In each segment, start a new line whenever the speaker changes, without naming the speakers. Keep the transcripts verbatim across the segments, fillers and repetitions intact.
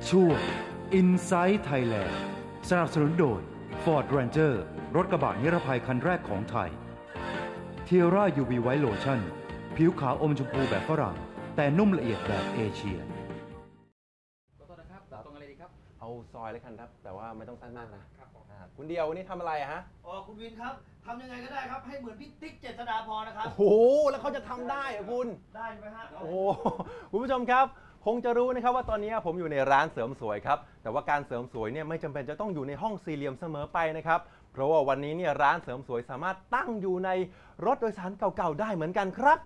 ช่วง Inside Thailand สนับสนุนโดย Ford Ranger รถกระบะนิรภัยคันแรกของไทย Tierra ยู วี White Lotion ผิวขาวอมชมพูแบบฝรั่งแต่นุ่มละเอียดแบบเอเชีย
ขอโทษนะครับตรงอะไรดีครับ
เอาซอยเลยกันครับแต่ว่าไม่ต้องสั้นมากนะครับคุณเดียววันนี้ทำอะไรฮะ
อ๋อคุณวินครับทำยังไงก็ได้ครับให้เหมือนพี่ติ๊กเจษฎาพรนะครับ
โอ้โหแล้วเขาจะทำได้เหรอคุณ
ได้ไหมฮะ
โอ้โหคุณผู้ชมครับคงจะรู้นะครับว่าตอนนี้ผมอยู่ในร้านเสริมสวยครับแต่ว่าการเสริมสวยเนี่ยไม่จำเป็นจะต้องอยู่ในห้องสี่เหลี่ยมเสมอไปนะครับเพราะว่าวันนี้เนี่ยร้านเสริมสวยสามารถตั้งอยู่ในรถโดยสารเก่าๆได้เหมือนกันครับ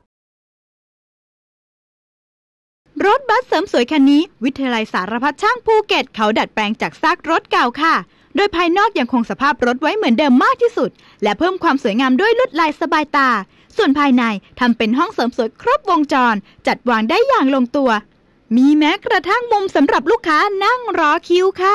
รถบัสเสริมสวยคันนี้วิทยาลัยสารพัดช่างภูเก็ตเขาดัดแปลงจากซากรถเก่าค่ะโดยภายนอกยังคงสภาพรถไว้เหมือนเดิมมากที่สุดและเพิ่มความสวยงามด้วยลวดลายสบายตาส่วนภายในทำเป็นห้องเสริมสวยครบวงจรจัดวางได้อย่างลงตัวมีแม้กระทั่งมุมสำหรับลูกค้านั่งรอคิวค่ะ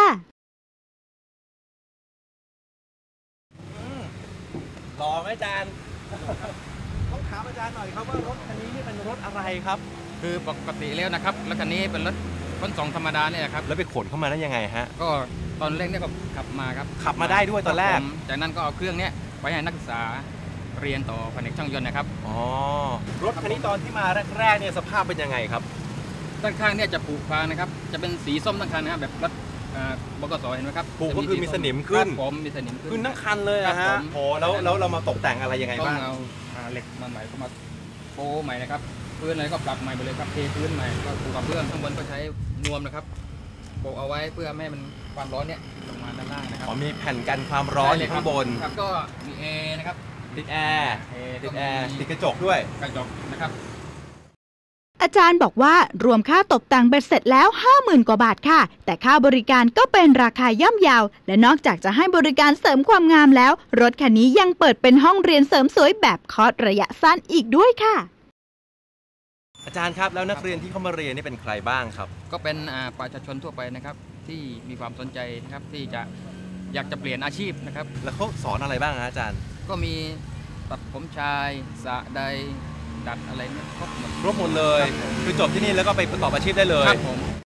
รอไหมอาจารย์ต้องถามอาจารย์หน่อยครับว่ารถคันนี้นี่เป็นรถอะไรครับ
คือปกติแล้วนะครับรถคันนี้เป็นรถขนส่งธรรมดาเนี่ยครับ
แล้วไปขนเข้ามาได้ยังไงฮะ
ก็ตอนแรกเนี่ยก็ขับมาครับ
ขับมาได้ด้วยตอนแรก
จากนั้นก็เอาเครื่องเนี้ยไปให้นักศึกษาเรียนต่อแผนกช่างยนต์นะครับ
อ๋อรถคันนี้ตอนที่มาแรกๆเนี่ยสภาพเป็นยังไงครับ
ด้านข้างเนี่ยจะผุพังนะครับจะเป็นสีส้มทั้งคันนะครับแบบรถบกสเห็นไหมครับ
ผุก็คือมีสนิมขึ้น
ผมมีสนิม
ขึ้นทั้งคันเลยอะฮะโอ้แล้วแล้วเรามาตกแต่งอะไรยังไงบ้าง
ต้องเอาเหล็กมาใหม่ก็มาโป้ใหม่นะครับพื้นอะไรก็ปรับใหม่หมดเลยครับเทพื้นใหม่ก็ปูกระเบื้องข้างบนก็ใช้นวมนะครับโปะเอาไว้เพื่อไม่ให้มันความร้อนเนี่ยลงมาด้านล่างนะครับ
อ๋อมีแผ่นกันความร้อนอยู่ข้างบน
ครับก็มีแอร์นะครับ
ติดแอร์ติดแอร์ติดกระจกด้วย
กระจกนะครับ
อาจารย์บอกว่ารวมค่าตกแต่งเบ็ดเสร็จแล้ว ห้าหมื่น กว่าบาทค่ะแต่ค่าบริการก็เป็นราคาย่อมเยาและนอกจากจะให้บริการเสริมความงามแล้วรถคันนี้ยังเปิดเป็นห้องเรียนเสริมสวยแบบคอร์สระยะสั้นอีกด้วยค่ะ
อาจารย์ครับแล้วนักเรียนที่เข้ามาเรียนนี่เป็นใครบ้างครับ
ก็เป็นประชาชนทั่วไปนะครับที่มีความสนใจนะครับที่จะอยากจะเปลี่ยนอาชีพนะครับ
แล้วเขาสอนอะไรบ้างอาจารย์
ก็มีตัดผมชายสระใดดัดอะไรเนี่ยครบหมด
ครบหมดเลยคือจบที่นี่แล้วก็ไปประกอบอาชีพได้เลย
ครับผม